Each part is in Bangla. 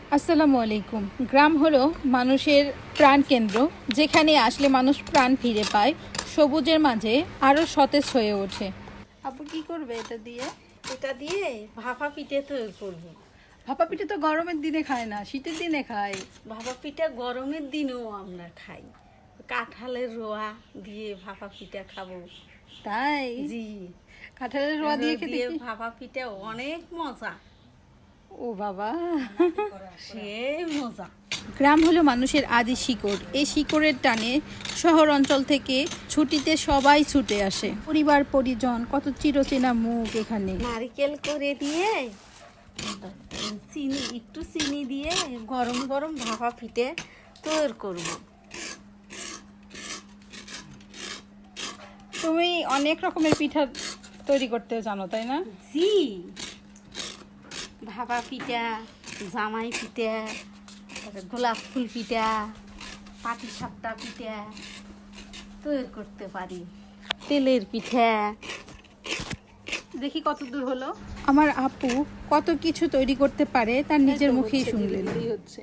আসসালামু আলাইকুম। গ্রাম হলো মানুষের প্রাণকেন্দ্র, যেখানে আসলে মানুষ প্রাণ ফিরে পায়, সবুজের মাঝে আরও সতেজ হয়ে ওঠে। আপু কি করবে এটা দিয়ে? এটা দিয়ে ভাপা পিঠে তৈরি করব। ভাপা পিঠে তো গরমের দিনে খায় না, শীতের দিনে খায়। ভাপা পিঠা গরমের দিনেও আমরা খাই। কাঁঠালের রোয়া দিয়ে ভাপা পিঠা খাবো। তাই? জি, কাঁঠালের রোয়া দিয়ে খেতে দিয়ে কি? ভাপা পিঠা অনেক মজা, ও বাবা, সে মজা। গ্রাম হলো মানুষের আদি শিকড়। এই শিকড়ের টানে শহর অঞ্চল থেকে ছুটিতে সবাই ছুটে আসে। পরিবার পরিজন, কত চিরচেনা মুখ এখানে। নারকেল করে দিয়ে একটু চিনি দিয়ে গরম গরম ভাপা পিঠে তৈরি করব। তুমি অনেক রকমের পিঠা তৈরি করতে জানো, তাই না? জি, ভাপা পিঠা, জামাই পিঠা, তারপরে গোলাপ ফুল পিঠা, পাটিসাপটা পিঠা তৈরি করতে পারি, তেলের পিঠা। দেখি কত দূর হলো। আমার আপু কত কিছু তৈরি করতে পারে তার নিজের মুখেই শুনলেন। হচ্ছে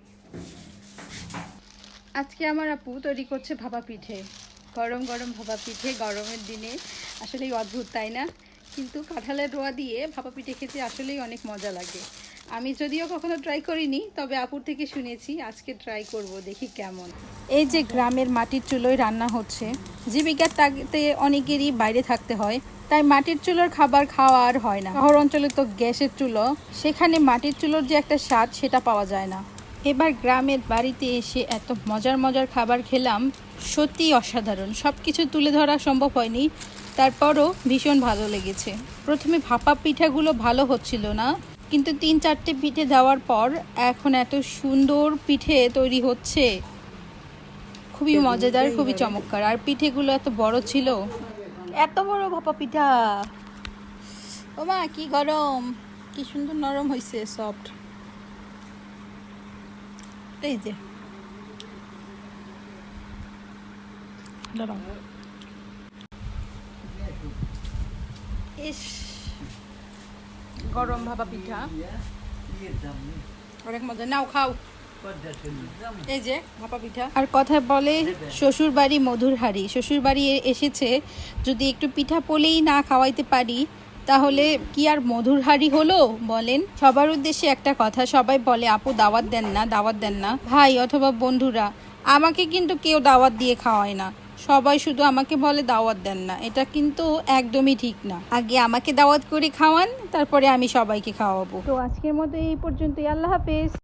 আজকে আমার আপু তৈরি করছে ভাপা পিঠে। গরম গরম ভাপা পিঠে গরমের দিনে আসলেই অদ্ভুত, তাই না? কিন্তু কাঁঠালের রোয়া দিয়ে ভাপা পিঠে খেতে আসলেই অনেক মজা লাগে। আমি যদিও কখনো ট্রাই করিনি, তবে আপুর থেকে শুনেছি, আজকে ট্রাই করব, দেখি কেমন। এই যে গ্রামের মাটির চুলোয় রান্না হচ্ছে, জীবিকার তাগিদে অনেকেরই বাইরে থাকতে হয়, তাই মাটির চুলোর খাবার খাওয়া আর হয় না। শহর অঞ্চলে তো গ্যাসের চুলো, সেখানে মাটির চুলোর যে একটা স্বাদ সেটা পাওয়া যায় না। এবার গ্রামের বাড়িতে এসে এত মজার মজার খাবার খেলাম, সত্যিই অসাধারণ। সব কিছু তুলে ধরা সম্ভব হয়নি, তারপরও ভীষণ ভালো লেগেছে। প্রথমে ভাপা পিঠাগুলো ভালো হচ্ছিল না, কিন্তু 3-4টে পিঠে দেওয়ার পর এখন এত সুন্দর পিঠে তৈরি হচ্ছে, খুবই মজাদার, খুবই চমৎকার। আর পিঠেগুলো এত বড় ছিল, এত বড় ভাপা পিঠা। ও মা, কি গরম, কি সুন্দর নরম হয়েছে, সফট। এই যে ইস, গরম ভাপা পিঠা অনেক মজা। নাও খাও, এই যে ভাপা পিঠা। আর কথায় বলে শ্বশুর বাড়ি মধুর হাঁড়ি। শ্বশুর বাড়ি এসেছে, যদি একটু পিঠা পোলেই না খাওয়াইতে পারি, তাহলে কি আর মধুর হাঁড়ি হলো বলেন? সবার উদ্দেশ্যে একটা কথা, সবাই বলে আপু দাওয়াত দেন না, দাওয়াত দেন না। ভাই অথবা বন্ধুরা, আমাকে কিন্তু কেউ দাওয়াত দিয়ে খাওয়ায় না। সবাই শুধু আমাকে বলে দাওয়াত দেন না, এটা কিন্তু একদমই ঠিক না। আগে আমাকে দাওয়াত করে খাওয়ান, তারপরে আমি সবাইকে খাওয়াবো। তো আজকের মতো এই পর্যন্তই। আল্লাহ হাফেজ।